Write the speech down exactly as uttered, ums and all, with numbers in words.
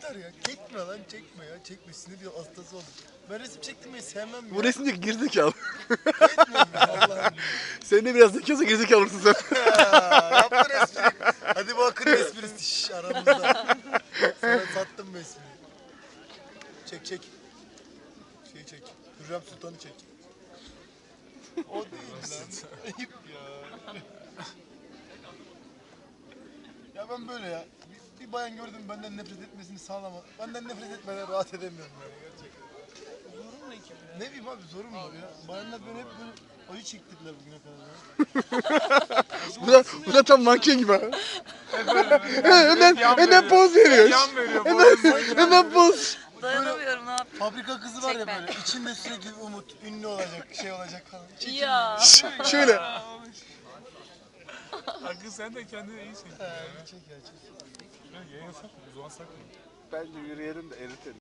yeter ya. Çekme lan çekme ya. Çekme sinir bir hastası oldum. Ben resim çektirmeyi sevmem ya. Bu resimdeki gerizekalı. Etmiyorum ya Allah'ım. Sen de biraz zekiyse gerizekalısın sen. Ya, yaptın espriyi. Hadi bu akın esprisi şş, aramızda. Sana sattım bu espriyi. Çek çek. Şey çek. Hürrem Sultan'ı çek. O değil lan. Ayıp ya. Ya ben böyle ya. Bir, bir bayan gördüm benden nefret etmesini sağlama. Benden nefret etmeden rahat edemiyorum yani gerçekten. Zorun ne ki bu ya? Ne bileyim abi sorun var ya. Bayanlar böyle hep böyle acı çektirdiler bugüne kadar ya. Bu da, bu da tam manken gibi ha. hemen hemen poz veriyor. Yan veriyor. Hemen, hemen poz. Dayanamıyorum ne yapayım? Fabrika kızı var ya Çekme. böyle içinde sürekli umut, ünlü olacak, şey olacak falan. Çekin. Ya. Şöyle. Hakkı sen de kendine iyi çek. He, çek ya çek. Yayın sak mı? Uzan sak mı? Bence yürüyelim de eritelim.